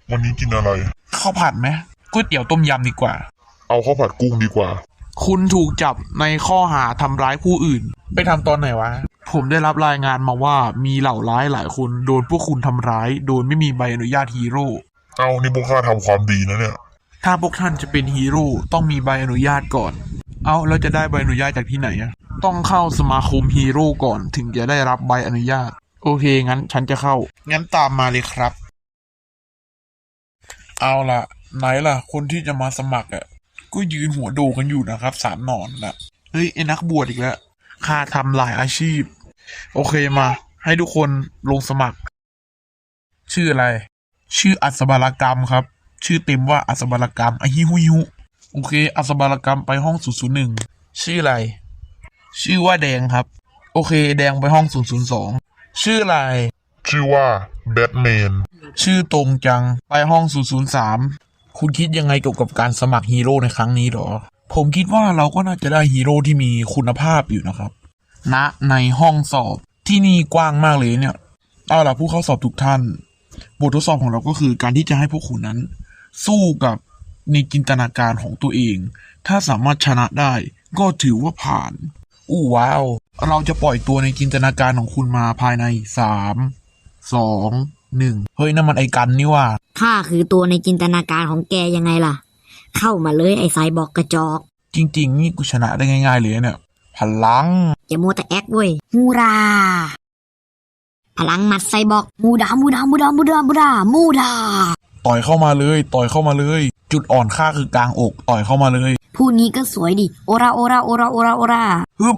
วันนี้กินอะไรข้าวผัดไหมก๋วยเตี๋ยวต้มยำดีกว่าเอาข้าวผัดกุ้งดีกว่าคุณถูกจับในข้อหาทำร้ายผู้อื่นไปทำตอนไหนวะผมได้รับรายงานมาว่ามีเหล่าร้ายหลายคนโดนพวกคุณทำร้ายโดยไม่มีใบอนุญาตฮีโร่เอานี่พวกข้าทำความดีนะเนี่ยถ้าพวกท่านจะเป็นฮีโร่ต้องมีใบอนุญาตก่อนเอาแล้วจะได้ใบอนุญาตจากที่ไหนอะต้องเข้าสมาคมฮีโร่ก่อนถึงจะได้รับใบอนุญาตโอเคงั้นฉันจะเข้างั้นตามมาเลยครับเอาล่ะไหนล่ะคนที่จะมาสมัครอ่ะก็ยืนหัวโดกันอยู่นะครับสามหนอนน่ะเฮ้ยไอ้นักบวชอีกแล้วข้าทำหลายอาชีพโอเคมาให้ทุกคนลงสมัครชื่ออะไรชื่ออัศบาลกรรมครับชื่อเต็มว่าอัศบาลกรรมไอฮิฮุยฮุโอเคอัศบาลกรรมไปห้อง001ชื่ออะไรชื่อว่าแดงครับโอเคแดงไปห้อง002ชื่ออะไรชื่อว่าแบทแมนชื่อตรงจังไปห้อง003คุณคิดยังไงเกี่ยวกับการสมัครฮีโร่ในครั้งนี้หรอผมคิดว่าเราก็น่าจะได้ฮีโร่ที่มีคุณภาพอยู่นะครับณในห้องสอบที่นี่กว้างมากเลยเนี่ยเอาล่ะผู้เข้าสอบทุกท่านบททดสอบของเราก็คือการที่จะให้พวกคุณนั้นสู้กับในจินตนาการของตัวเองถ้าสามารถชนะได้ก็ถือว่าผ่านอู้ว้าวเราจะปล่อยตัวในจินตนาการของคุณมาภายใน3 2 1เฮ้ยนั่นมันไอ้กันนี่ว่าข้าคือตัวในจินตนาการของแกยังไงล่ะเข้ามาเลยไอ้ไซบอร์กกระจอกจริงๆนี่กูชนะได้ง่ายๆเลยเนี่ยพลังอย่ามัวแต่แอคเว้ยมูราพลังหมัดไซบอร์กมูดามูดามูดามูดามูดามูดาต่อยเข้ามาเลยต่อยเข้ามาเลยจุดอ่อนข้าคือกลางอกต่อยเข้ามาเลยผู้นี้ก็สวยดิโอราโอราโอราโอราโอราฮึบ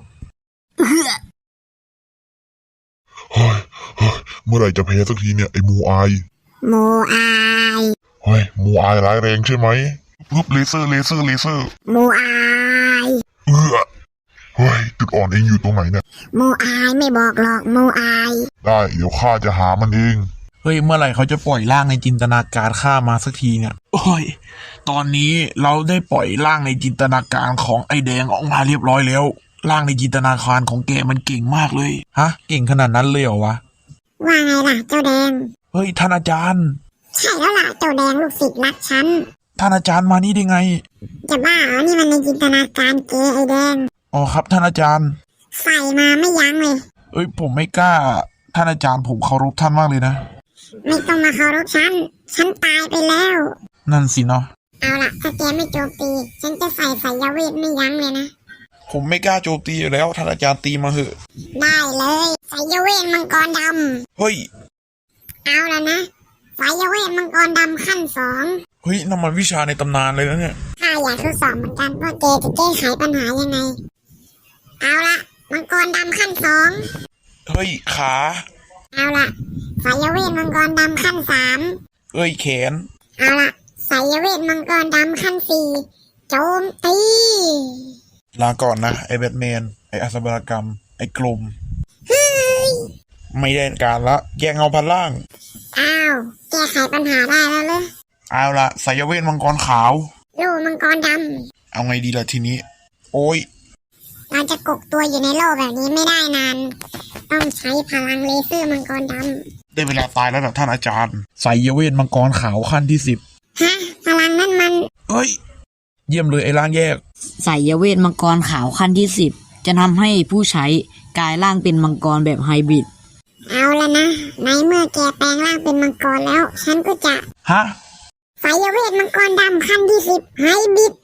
เฮ้ยเมื่อไหร่จะแพ้สักทีเนี่ยไอ้มูอายมูอายเฮ้ยมูอายร้ายแรงใช่ไหมปึ๊บเลเซอร์มูอายเฮ้ยจุดอ่อนเองอยู่ตรงไหนเนี่ยมูอายไม่บอกหรอกมูอายได้เดี๋ยวข้าจะหามันเองเฮ้ยเมื่อไหร่เขาจะปล่อยร่างในจินตนาการข้ามาสักทีเนี่ยโอ้ยตอนนี้เราได้ปล่อยร่างในจินตนาการของไอ้แดงออกมาเรียบร้อยแล้วร่างในจินตนาการของแกมันเก่งมากเลยฮะเก่งขนาดนั้นเลยเหรอวะว่าไงล่ะเจ้าแดงเฮ้ยท่านอาจารย์ใช่แล้วล่ะเจ้าแดงลูกศิษย์รักฉันท่านอาจารย์มานี่ได้ไงจะบ้าเหรอนี่มันในจินตนาการแกไอ้แดงอ๋อครับท่านอาจารย์ใส่มาไม่ยั้งเลยเอ้ยผมไม่กล้าท่านอาจารย์ผมเคารพท่านมากเลยนะไม่ต้องมาเคารพฉันตายไปแล้วนั่นสิเนาะเอาล่ะถ้าแกไม่โจมตีฉันจะใส่สายเวทไม่ยั้งเลยนะผมไม่กล้าโจมตีอยู่แล้วท่านอาจารย์ตีมาเหอะได้เลยสายเวทมังกรดำเฮ้ยเอาแล้วนะสายเวทมังกรดำขั้น2 เฮ้ยนั่นมันวิชาในตำนานเลยนะเนี่ยข้าอยากทดสอบเหมือนกันว่าแกจะแก้ไขปัญหายังไงเอาละมังกรดำขั้น2 เฮ้ยขาเอาละสายเวทมังกรดำขั้น3 เอ้ยแขนเอาละสายเวทมังกรดำขั้น4โจมตีลาก่อนนะไอ้แบทแมนไอ้อัศบรกรรมไอ้กลมไม่ได้การละแยกเงาพันล่างอ้าวแก้ไขปัญหาได้แล้วเลยเอาละสายเวทมังกรขาวโล่มังกรดำเอาไงดีล่ะทีนี้โอ้ยเราจะกกตัวอยู่ในโล่แบบนี้ไม่ได้นานต้องใช้พลังเลเซอร์มังกรดำได้เวลาตายแล้วนะท่านอาจารย์สายเวทมังกรขาวขั้นที่10 ฮะพลังนั่นมันเฮ้ยเยี่ยมเลยไอ้ร่างแยกสายเวทมังกรขาวขั้นที่10จะทำให้ผู้ใช้กลายร่างเป็นมังกรแบบไฮบริดเอาแล้วนะในเมื่อแกแปลงร่างเป็นมังกรแล้วฉันก็จะฮะสายเวทมังกรดำขั้นที่10ไฮบริด